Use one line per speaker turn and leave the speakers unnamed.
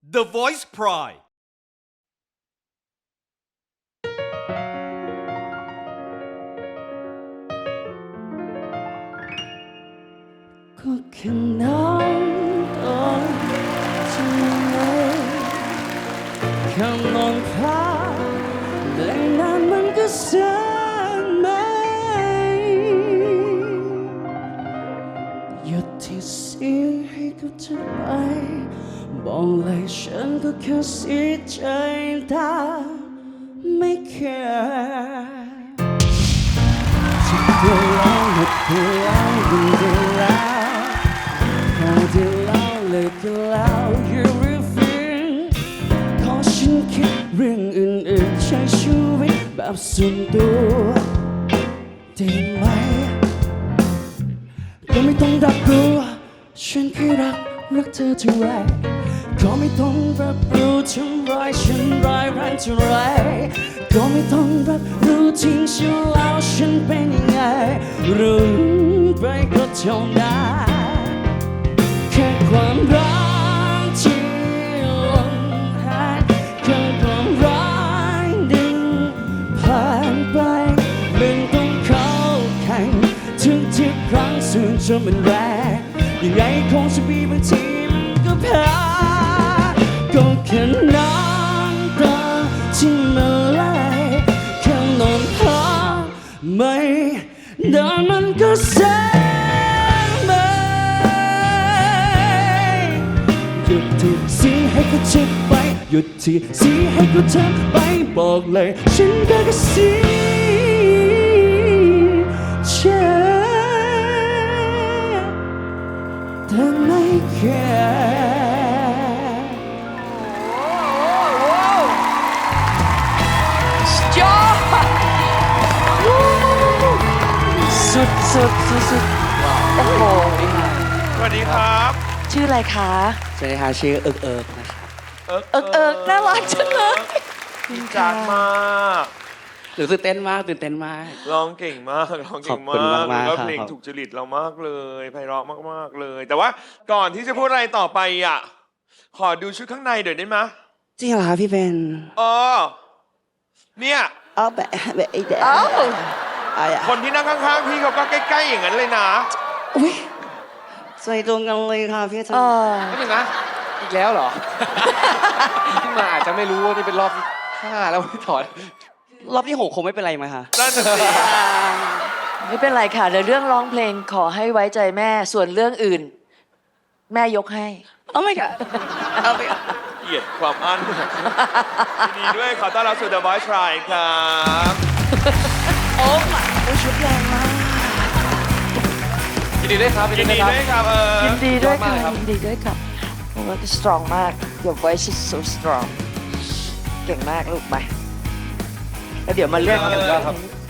The Voice Pride
ก็แค่น้ำตาที่ไหลแค่มองภาพและนานมันก็แสนไหมหยุดที่เสียให้กับเธอไปบอกเลยฉันก็แค่เสียใจแต่ไม่แค่ที่เธอแล้วหมดเธอแล้วยิ่งเธอแล้วพอเธอแล้วเลยก็แล้ว you refuse ขอฉันคิดเรื่องอื่นๆใช้ชีวิตแบบส่วนตัวได้ไหมก็ไม่ต้องรับรู้ฉันแค่รักเธอเท่าไรก็ไม่ต้องรับรู้ทำร้ายฉันร้ายแรงเท่าไรก็ไม่ต้องรับรู้ทิ้งฉันแล้วฉันเป็นยังไงรู้ไปก็เท่านั้นแค่ความรักที่หล่นหายแค่ความรักดึงผ่านไปมันต้องเข้าแข่งทุกครั้งส่วนจะมันแรงยังไงคงจะมีบางทีมันก็แพ้ก็แค่น้ำตาที่มันไหลแค่นอนพักไม่นานมันก็แสนไหมหยุดที่สีให้เขาเจ็บไปหยุดที่สีให้เขาเจ็บไปบอกเลยฉันก็แค่สีเจ็บแต่ไม่แค่สุดโอ้โห
สวัสดีครับ
ชื่ออะไรคะ
สวัสดีค่ะชื่อเอิกนะครับ
เอิกน่ารักจังเลย
ดีจังมาก
ตื่นเต้นมาก
ร้องเก่งมากร้องเก่ง
ขอบคุณ
มาก
มากๆ
แล้ว
ครับ
เพลงถูกจริตเรามากเลยไพเราะมากๆเลย แต่ว่าก่อนที่จะพูดอะไรต่อไปอ่ะขอดูชุดข้างในเดี๋ยวได้ไหม
จริงเหรอคะพี่เบน
อ๋อเนี่ย
เอาแบบไอ้เด็ก
เอ้า
คนที่นั่งข้างๆพี่เขาก็ใกล้ๆอย่างนั้นเลยนะ
อุ้ยใส่ตรงกันเลยค่ะพี่
เออ
ไม่ถึงนะอีกแล้วเหรอ ที่มาอาจจะไม่รู้ว่านี่เป็นรอบที่5แล้วที่ถอด
รอบที่6คงไม่เป็นไรไหมคะ
นั่นน่ะสิ
ไม่เป็นไรค่ะเดี๋ยวเรื่องร้องเพลงขอให้ไว้ใจแม่ส่วนเรื่องอื่น แม่ยกให้
เอาไม่ค่ะเอาไป
เกลียดความอั้นยินดีด้วยขอต้อนรับสู่ The Voice Pride ครับ
โอ้ยชุดแรงมาก
ยินดีด้วยครับ
ยินดีด้วยครับ
ยินดีด้วยค่ะ
ยอดมากครับ
ยินดีด้วยค่ะโอ้ย strong มาก your voice is so strong เก่งมากลูกไปแล้วเดี๋ยวมาเล่นกัน
ยอดครับ